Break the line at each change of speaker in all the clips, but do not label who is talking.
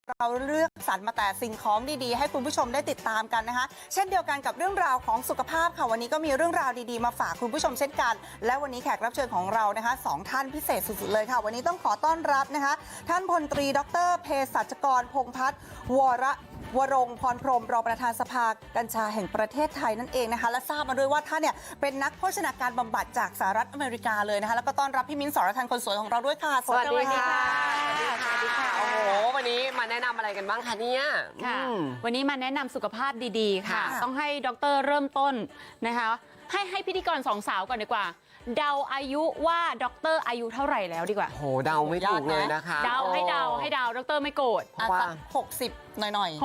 เราเลือกสรรมาแต่สิ่งของดีๆให้คุณผู้ชมได้ติดตามกันนะคะเช่นเดียวกันกับเรื่องราวของสุขภาพค่ะวันนี้ก็มีเรื่องราวดีๆมาฝากคุณผู้ชมเช่นกันและวันนี้แขกรับเชิญของเรานะคะ2ท่านพิเศษสุดๆเลยค่ะวันนี้ต้องขอต้อนรับนะคะท่านพลตรีดร.เภสัชกรพงษ์พัฒน์วรงค์พรพรหมรองประธานสภากัญชาแห่งประเทศไทยนั่นเองนะคะและทราบมาด้วยว่าท่านเนี่ยเป็นนักโภชนาการบำบัดจากสหรัฐอเมริกาเลยนะคะแล้วก็ต้อนรับพี่มิ้นท์ สรทันคนสวยของเราด้วยค่ะ
สวัสดีค่ะ
สวัสดีค่ะโอ้โหวันนี้มาแนะนำอะไรกันบ้างคะเนี่ย
ค่ะวันนี้มาแนะนำสุขภาพดีๆค่ะต้องให้ดร.เริ่มต้นนะคะให้พิธีกรสองสาวก่อนดีกว่าเดาอายุว่าดร.อายุเท่าไหร่แล้วดีกว่า
โหเดาไม่ถูกเลยนะคะ
เดาให้เดาดร.ไม่โกรธ
ว่า60หน่อย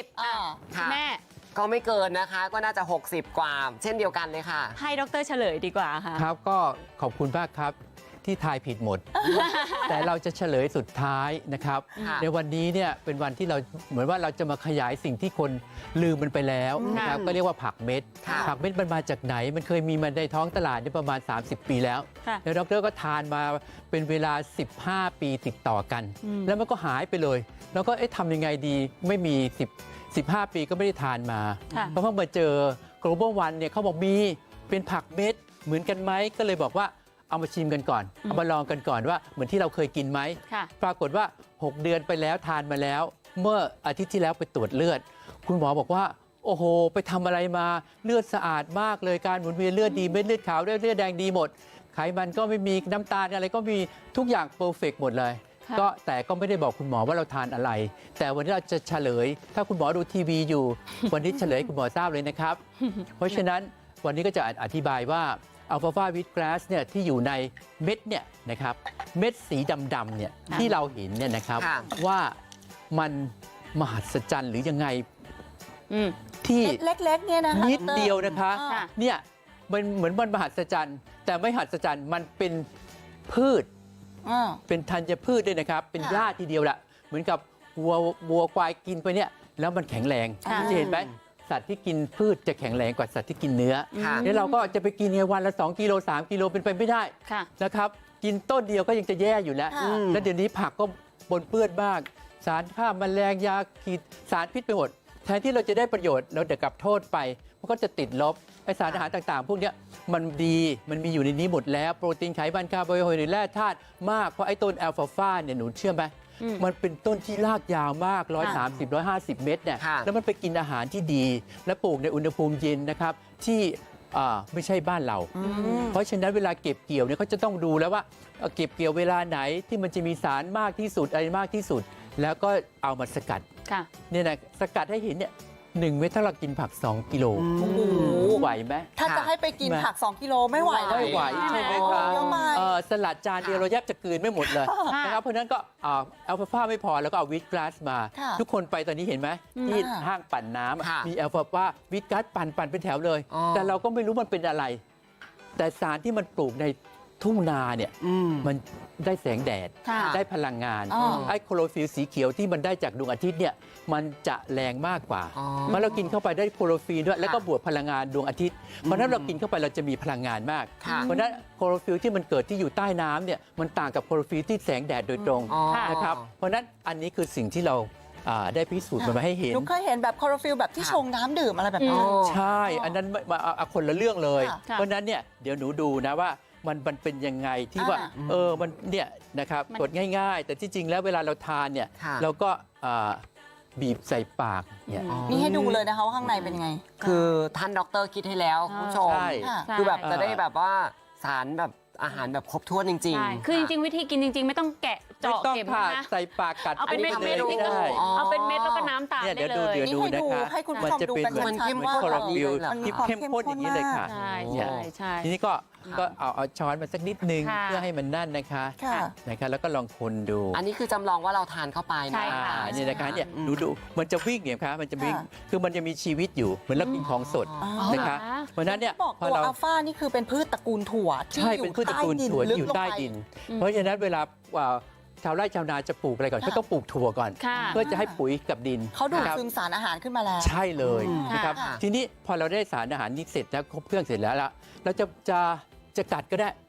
60แม่
ก็ไม่เกินนะคะก็น่าจะ60กว่าเช่นเดียวกันเลยค่ะ
ให้ดร.เฉลยดีกว่าค่ะ
ครับก็ขอบคุณมากครับที่ทายผิดหมด แต่เราจะเฉลยสุดท้ายนะครับในวันนี้เนี่ยเป็นวันที่เราเหมือนว่าเราจะมาขยายสิ่งที่คนลืมมันไปแล้วนะครับก็เรียกว่าผักเม็ดผักเม็ดมันมาจากไหนมันเคยมีมาในท้องตลาดประมาณ30 ปีแล้วแล้วดร.ก็ทานมาเป็นเวลา15 ปีติดต่อกันแล้วมันก็หายไปเลยแล้วก็ทำยังไงดีไม่มี15 ปีก็ไม่ได้ทานมาเพราะเพิ่งมาเจอ Global One เนี่ยเขาบอกมีเป็นผักเม็ดเหมือนกันไหมก็เลยบอกว่าเอามาชิมกันก่อนเอามาลองกันก่อนว่าเหมือนที่เราเคยกินไหมปรากฏว่า6 เดือนไปแล้วทานมาแล้วเมื่ออาทิตย์ที่แล้วไปตรวจเลือดคุณหมอบอกว่าโอ้โหไปทำอะไรมาเลือดสะอาดมากเลยการหมุนเวียนเลือดดีเม็ดเลือดขาวเลือดแดงดีหมดไขมันก็ไม่มีน้ำตาลอะไรก็มีทุกอย่างเพอร์เฟกต์หมดเลยแต่ก็ไม่ได้บอกคุณหมอว่าเราทานอะไรแต่วันนี้เราจะเฉลยถ้าคุณหมอดูทีวีอยู่วันนี้เฉลยให้คุณหมอทราบเลยนะครับเพราะฉะนั้นวันนี้ก็จะอธิบายว่าอัลฟาฟาวิตกราสเนี่ยที่อยู่ในเม็ดเนี่ยนะครับเม็ดสีดำๆเนี่ยที่เราเห็นเนี่ยนะครับว่ามันมหัศจรรย์หรือยังไงที่
เล็กๆเนี่ยนะคะ
นิดเดียวนะคะเนี่ยมันเหมือนมันมหัศจรรย์แต่ไม่มหัศจรรย์มันเป็นพืชเป็นธัญพืชด้วยนะครับเป็นหญ้าทีเดียวแหละเหมือนกับวัวควายกินไปเนี่ยแล้วมันแข็งแรงเห็นไหมสัตว์ที่กินพืชจะแข็งแรงกว่าสัตว์ที่กินเนื้อแล้วเราก็จะไปกินวันละ2 กิโล 3 กิโลเป็นไปไม่ได้นะครับกินต้นเดียวก็ยังจะแย่อยู่แล้วแล้วเดี๋ยวนี้ผักก็ปนเปื้อนมากสารฆ่าแมลงยาขีดสารพิษไปหมดแทนที่เราจะได้ประโยชน์เราจะกลับโทษไปมันก็จะติดลบไอสารอาหารต่างๆพวกนี้มันดีมันมีอยู่ในนี้หมดแล้วโปรตีนไขมันคาร์โบไฮเดรตแร่ธาตุมากเพราะไอ้ต้นอัลฟาฟาเนี่ยหนูเชื่อไหมมันเป็นต้นที่รากยาวมาก130-150 เมตรเนี่ยแล้วมันไปกินอาหารที่ดีและปลูกในอุณหภูมิเย็นนะครับที่ไม่ใช่บ้านเราเพราะฉะนั้นเวลาเก็บเกี่ยวเนี่ยเขาจะต้องดูแล้วว่าเก็บเกี่ยวเวลาไหนที่มันจะมีสารมากที่สุดอะไรมากที่สุดแล้วก็เอามาสกัดเนี่ยนะสกัดให้เห็นเนี่ย1 เม็ดถ้าเรากินผัก2 กิโลไหวไหม
ถ้าจะให้ไปกินผัก2 กิโลไม่ไหว
ไม่ไหวใช่ไหมครับสลัดจานเดียวเราแยบจะกลืนไม่หมดเลยนะครับเพราะนั้นก็อัลฟาฟาไม่พอแล้วก็เอาวิตกราสมาทุกคนไปตอนนี้เห็นไหมที่ห้างปั่นน้ำมีอัลฟาฟาวิตกราสปั่นเป็นแถวเลยแต่เราก็ไม่รู้มันเป็นอะไรแต่สารที่มันปลูกในทุ่งนาเนี่ยมันได้แสงแดดได้พลังงานไอ้โคโรฟิลสีเขียวที่มันได้จากดวงอาทิตย์เนี่ยมันจะแรงมากกว่าเมื่อเรากินเข้าไปได้โคโรฟิลด้วยแล้วก็บวกพลังงานดวงอาทิตย์เพราะนั้นเรากินเข้าไปเราจะมีพลังงานมากเพราะนั้นโคโรฟิลที่มันเกิดที่อยู่ใต้น้ำเนี่ยมันต่างกับโคโรฟิลที่แสงแดดโดยตรงนะครับเพราะนั้นอันนี้คือสิ่งที่เราได้พิสูจน์มาให้เห็น
หนูเคยเห็นแบบโคโรฟิลแบบที่ชงน้ำดื่มอะไรแบบนี้
ใช่อันนั้นคนละเรื่องเลยเพราะนั้นเนี่ยเดี๋ยวหนูดูนะว่ามันเป็นยังไงที่ว่ามันเนี่ยนะครับกดง่ายๆแต่ที่จริงแล้วเวลาเราทานเนี่ยเราก็บีบใส่ปากเนี่ย
นี่ให้ดูเลยนะคะว่าข้างในเป็นยังไง
คือท่านด็อกเตอร์คิดให้แล้วคุณผู้ชมคือแบบจะได้แบบว่าสารแบบอาหารแบบครบถ้วนจริง
ๆคือจริงๆวิธีกินจริงๆไม่ต้องแกะเจาะเข็มนะ
ใส่ปากกัด
เอาเป็นเม็ดได้เอาเป็นเม็ดแล้วก็น้ำตาลได้เลย
เดี๋ยวดูนะคะ
มันจะเป็น
เหมือนคอร์ฟิลที่เข้มข้นอย่างนี้เลยค่ะ
ใช่
ทีนี้ก็เอาช้อนมาสักนิดนึงเพื่อให้มันนั่นนะคะแล้วก็ลองคนดู
อันนี้คือจำลองว่าเราทานเข้าไปนะ
นี่นะคะเนี่ยดูมันจะวิ่งเนี่ยครับมันจะวิ่งคือมันจะมีชีวิตอยู่เหมือนเรากินของสดนะคะเพราะนั้นเนี่ย
พอเราอัลฟานี่คือเป็นพืชตระกูลถั่ว
ใช่เป็นพืชตระกูลถั่วที่อยู่ใต้ดินเพราะฉะนั้นเวลาชาวไร่ชาวนาจะปลูกอะไรก่อนก็ต้องปลูกถั่วก่อนเพื่อจะให้ปุ๋ยกับดิน
เขาดูดซึมสารอาหารขึ้นมาแล้ว
ใช่เลยนะครับทีนี้พอเราได้สารอาหารนี้เสร็จแล้วครบเครื่องเสร็จแล้วเราจะกัดก็ได้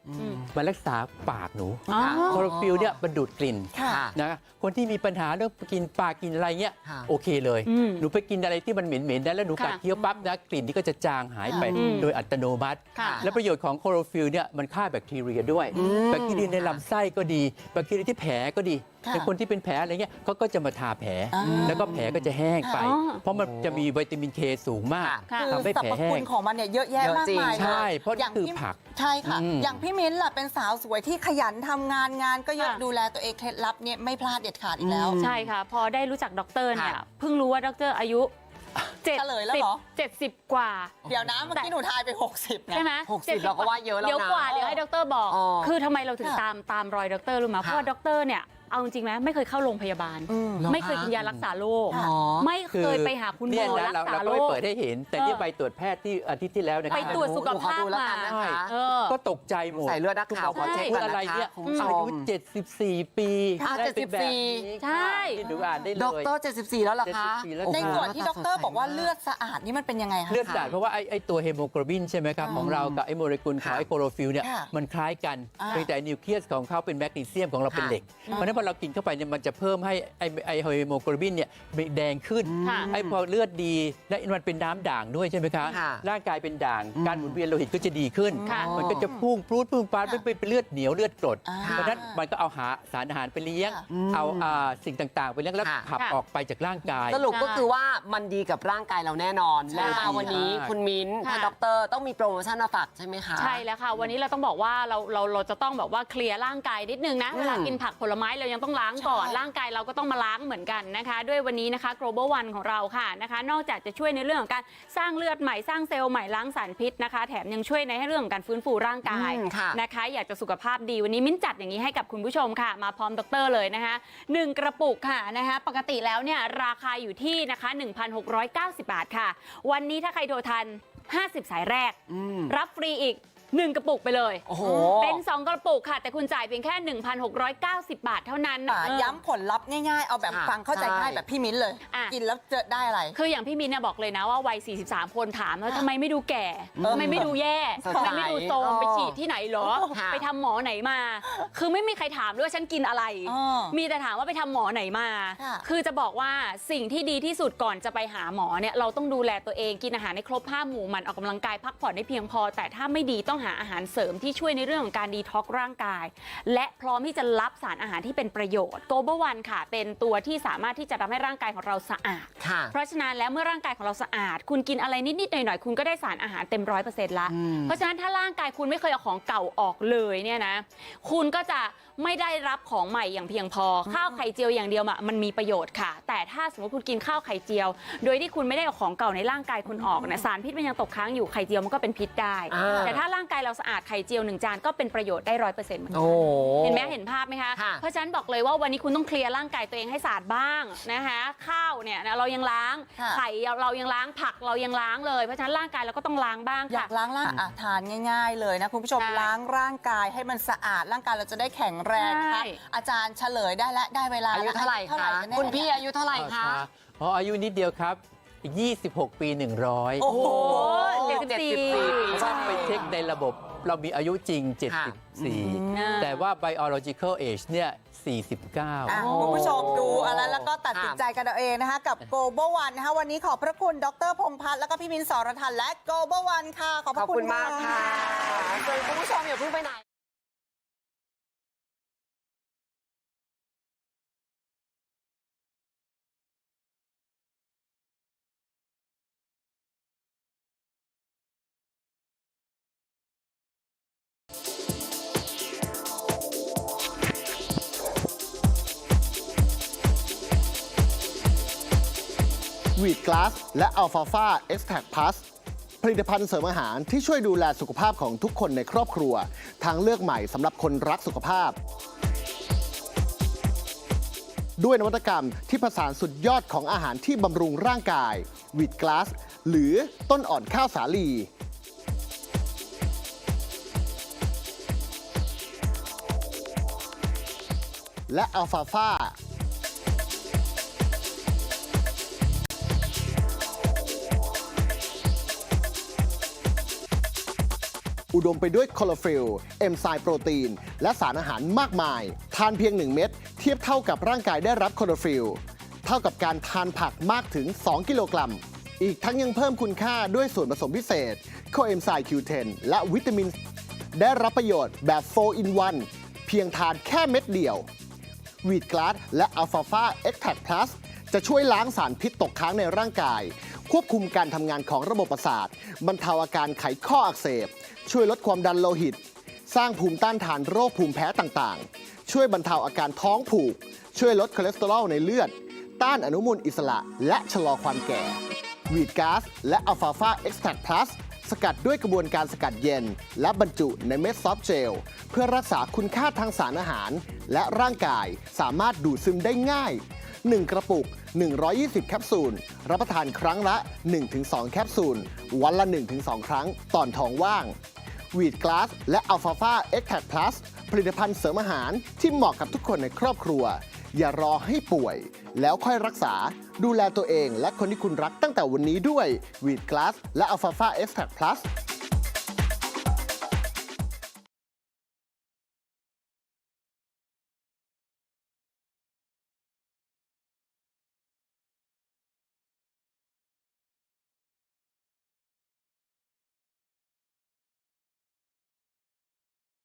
มารักษาปากหนู
อ๋อ
โคลอโรฟิลเนี่ยมันดูดกลิ่น
ค่ะ
นะคนที่มีปัญหาเรื่องกินปลากินอะไรเงี้ย
ค่ะ
โอเคเลย
อืม
หนูไปกินอะไรที่มันเหม็นๆนะแล้วหนูกัด
ค่ะ
เคี้ยวปั๊บนะกลิ่นที่ก็จะจางหายไป
อืม
โดยอัตโนมัติ
ค่ะ
และประโยชน์ของโคลอโรฟิลเนี่ยมันฆ่าแบคทีเรียด้วยแบคทีเรียในลำไส้ก็ดีแบคทีเรียที่แผลก็ดี
ค่ะ
ในคนที่เป็นแผลอะไรเงี้ยเขาก็จะมาทาแผล
อ่า
แล้วก็แผลก็จะแห้งไป
อ๋อ
เพราะมันจะมีวิตามินเคสูงมาก
ค่ะ
คือ
ทำให้
สร
แผล
รพ
แห้
คุ
ง
ณของมันเนี่ยเยอะแยะ
เยอะ
มาก
จริง
มาย
ใช่ เพราะ
อย่าง
คือ
พี่
ผัก
ใช่ค่ะ
อืม
อย่างพี่มิ้นท์ล่ะเป็นสาวสวยที่ขยันทำงานก็เยอะ
ค่ะ
ดูแลตัวเองเคล็ดลับเนี่ยไม่พลาดเด็ดขาดอีกแล้ว
ใช่ค่ะ พอได้รู้จักด็อกเตอร์เนี่ย
ค่ะ
เพิ่งรู้ว่าด็อกเตอร์อายุ
เฉลยแล้วเหรอ
70 กว่า
เดี๋ยวนะเมื่อกี้หนูทายไป 60นะ
ใช่ไหม
60เราก็ว่าเยอะแล้วนะ
เดี๋ยวกว่าเดี๋ยวให้ด็อกเตอร์บอก
อ๋อ
คือทำไมเราถึง
ค่ะ
ตามรอยด็อกเตอร์รู้ไหมเพราะว่าด็อกเตอร์เนี่ยเอาจริงไหมไม่เคยเข้าโรงพยาบาล
อืม
ไม่เคยกินยารักษาโรค
อ๋อ
ไม่เคยไปหาคุณหม
เนี่ย
อ
นะ
รักษา
เรา
โร
ก็ไม่
ค
เปิดให้เห็น แต่เนี่ยใบตรวจแพทย์ที่อาทิตย์ที่แล้วนะค
ไป
รับ
ตรวจสุขภาพ
ขอดูแล้ว
มา
กันนะคะ
เออ
ก็ตกใจหมด
ใส่เลือดนักข่าวขอเช็คก่อน
อะไร
นะคะ
เนี่ย
คุณผู้ช
อายุ
ม
74 ปี
อ่ะ
ได้เป็นแบบนี้
74
ใช่
ที่ดูอ่านได้เลย
ด็อกเตอร์74 แล้วเหรอคะ
74แล้ว
ใน
ค่ะ
ส่วนที่ด็อกเตอร์บอกว่าเลือดสะอาดนี่มันเป็นยังไงคะ
เลือดสะอาดเพราะว่าไอ้ตัวเฮโมโกลบินใช่ไหมครับของเรากับไอ้โมเลกุลของไอ้โคลอโรฟิลเนี่ย
ค่ะ
มันคล้ายกัน
อ่า
เพียงแต่นิวเคลียสของเขาเป็นแมกนีเซียมของเราเป็นเหล็ก เพราะฉะนั้นพอเรากินเข้าไปเนี่ยมันจะเพิ่มให้ไอ้เฮโมโกลบินเนี่ยแดงขึ้น
ค่ะ
ไอ้พอเลือดดีและมันเป็นน้ำด่างด้วยใช่ไหมคะ
ค่ะ
ร่างกายเป็นด่างการหมุนเวียนโลหิตก็จะดีขึ้น
ค่ะ
มันก็จะพุ่งพรูดพุ่งปาดไม่เป็นเลือดเหนียวเลือดกรด
อ่า
เพราะฉะนั้นมันก็เอาสารอาหารไปเลี้ยง
ค่ะ
เอาสิ่งต่างๆ ไปเลี้ยงแล้ว
ค่ะ
ขับ
ค่ะ
ออกไปจากร่างกาย
สรุปก็คือว่ามันดีกับร่างกายเราแน่นอน
ใช่
และมาวันนี้
ใช่
คุณมิ้นท์
ค่ะ
ท่านด็อกเตอร์ต้องมีโปรโมชั่นมาฝากใช่ไหมคะ
ใช่แล้วค่ะ วันนี้เราต้องบอกว่าเราจะต้องแบบว่าเคลียร์ร่างกายนิดนึงนะ เวลากินผักผลไม้เรายังต้องล้างก่อน
ใช่
ร่างกายเราก็ต้องมาล้างเหมือนกันนะคะ ด้วยวันนี้นะคะ global one ของเราค่ะนะคะ นอกจากจะช่วยในเรื่องของการสร้างเลือดใหม่สร้างเซลล์ใหม่ล้างสารพิษนะคะ แถมยังช่วยในเรื่องของการฟื้นฟูร่างกาย
ค่ะ
นะคะ อยากจะสุขภาพดีวันนี้มิ้นจัดอย่างนี้ให้กับคุณผู้ชมค่ะ มาพร้อมดรเลยนะคะ1กระปุกค่ะนะคะปกติแล้วเนี่ยราคาอยู่ที่นะคะ 1,690 บาทค่ะ วันนี้ถ้าใครโทรทัน 50 สายแรก รับฟรีอีก 1 กระปุกไปเลย
โอ้โห
เป็น 2 กระปุกค่ะ แต่คุณจ่ายเพียงแค่ 1,690 บาทเท่านั้น
ย้ำผลลัพธ์ง่ายๆ เอาแบบ
ค่ะ
ฟังเข้าใจง่าย
ใช่
แบบพี่มิ้นเลย
อ่ะ
กินแล้วเจอได้อะไร
คืออย่างพี่มินเนี่ยบอกเลยนะว่าวัย 43 คนถามว่าทำไมไม่ดูแก่
เออ
ทำไมไม่ดูแย่
สดใส
ทำไมไม่ดูโทรม
เออ
ไปฉีดที่ไหนเหรอ
ค่ะ
ไปทำหมอไหนมา คือไม่มีใครถามด้วยว่าฉันกินอะไร
อ๋อ
มีแต่ถามว่าไปทำหมอไหนมา
ค่ะ
คือจะบอกว่าสิ่งที่ดีที่สุดก่อนจะไปหาหมอเนี่ยเราต้องดูแลตัวเองกินอาหารให้ครบ5 หมู่หมันออกกำลังกายพักผ่อนให้เพียงพอ แต่ถ้าไม่ดีต้องหาอาหารเสริมที่ช่วยในเรื่องของการดีท็อกซ์ร่างกาย และพร้อมที่จะรับสารอาหารที่เป็นประโยชน์ Global One ค่ะ เป็นตัวที่สามารถที่จะทำให้ร่างกายของเราสะอาด
ค่ะ
เพราะฉะนั้นแล้วเมื่อร่างกายของเราสะอาด คุณกินอะไรนิดๆหน่อยๆคุณก็ได้สารอาหารเต็ม100%ละ เพราะฉะนั้นถ้าร่างกายคุณไม่เคยเอาของเก่าออกเลยเนี่ยนะคุณก็จะไม่ได้รับของใหม่อย่างเพียงพอ ข้าวไข่เจียวอย่างเดียวมันมีประโยชน์ค่ะ แต่ถ้าสมมติคุณกินข้าวไข่เจียว โดยที่คุณไม่ได้เอาของเก่าในร่างกายคุณออกนะสารพิษมันยังตกค้างอยู่ไข่เจียวมันก็เป็นพิษได้
อ่า
แต่ถ้าร่างกายเราสะอาดไข่เจียว1 จานก็เป็นประโยชน์ได้100%เหมือนกัน
โอ้
เห็นไหมเห็นภาพไหมคะ
ค่ะ
เพราะฉะนั้นบอกเลยว่าวันนี้คุณต้องเคลียร์ร่างกายตัวเองให้สะอาดบ้างนะคะข้าวเนี่ยนะเรายังล้าง
ค่ะ
ไข่เรายังล้างผักเรายังล้างเลยเพราะฉะนั้นร่างกายเราก็ต้องล้างบ้าง
อยา
ค่ะ
กล้างร่างอ่ะทานง่าย ๆ เลยนะคุณผู้ชม
ใช่
ล้างร่างกายให้มันสะอาดร่างกายเราจะได้แข็งแรงนะคะ
ใช่
อาจารย์เฉลยได้แล้วได้เวลา
อายุเท่าไหร่คะ
กันแน่
คุณพี่อายุเท่าไหร่คะ
อ๋ออายุนิดเดียวครับ อีก 26 ปี 100
โอ้โห
74
เพราะว่าไปเช็คในระบบเรามีอายุจริง
ค่ะ
74 แต่ว่า biological age เนี่ย 49
อ่ะคุณผู้ชมดูอะไรแล้วก็ตัดสินใจกันเอาเองนะคะ กับ Global One นะคะวันนี้ขอบพระคุณดรพงษ์พัฒน์แล้วก็พี่มินท์สรทันและ Global One ค่ะ ขอบพ
ขอ
ระ
บ
คุ
คุณ ณมากค่ะส่วนคุณผู้ชมอย่าเพิ่งไปไหน
วีดกลาสและอัลฟาฟาเอ็กซ์แทกพลัสผลิตภัณฑ์เสริมอาหารที่ช่วยดูแลสุขภาพของทุกคนในครอบครัว ทางเลือกใหม่สำหรับคนรักสุขภาพ ด้วยนวัตกรรมที่ผสานสุดยอดของอาหารที่บำรุงร่างกายวีดกลาสหรือต้นอ่อนข้าวสาลี และอัลฟาฟาอุดมไปด้วยคลอโรฟิลล์เอนไซม์โปรตีน และสารอาหารมากมาย ทานเพียง 1 เม็ดเทียบเท่ากับร่างกายได้รับคลอโรฟิลล์เท่ากับการทานผักมากถึง 2 กิโลกรัม อีกทั้งยังเพิ่มคุณค่าด้วยส่วนผสมพิเศษโคเอนไซม์ Q10 และวิตามิน ได้รับประโยชน์แบบ 4 in 1 เพียงทานแค่เม็ดเดียววีดกลาสและอัลฟาฟาเอ็กแทคพลัสจะช่วยล้างสารพิษตกค้างในร่างกาย ควบคุมการทำงานของระบบประสาท บรรเทาอาการไขข้ออักเสบ ช่วยลดความดันโลหิต สร้างภูมิต้านทานโรคภูมิแพ้ต่างๆ ช่วยบรรเทาอาการท้องผูก ช่วยลดคอเลสเตอรอลในเลือด ต้านอนุมูลอิสระ และชะลอความแก่วีดก๊าซและอัลฟาฟาเอ็กแทคพลัสสกัดด้วยกระบวนการสกัดเย็น และบรรจุในเม็ดซอฟต์เจล เพื่อรักษาคุณค่าทางสารอาหาร และร่างกายสามารถดูดซึมได้ง่าย 1 กระปุก 120 แคปซูล รับประทานครั้งละ 1-2 แคปซูล วันละ 1-2 ครั้งตอนท้องว่างวีดกลาสและอัลฟาฟาเอ็กแทคพลัสผลิตภัณฑ์เสริมอาหารที่เหมาะกับทุกคนในครอบครัว อย่ารอให้ป่วย แล้วค่อยรักษาดูแลตัวเองและคนที่คุณรักตั้งแต่วันนี้ด้วยวีดกลาสและอัลฟาฟาเอ็กแทคพลัส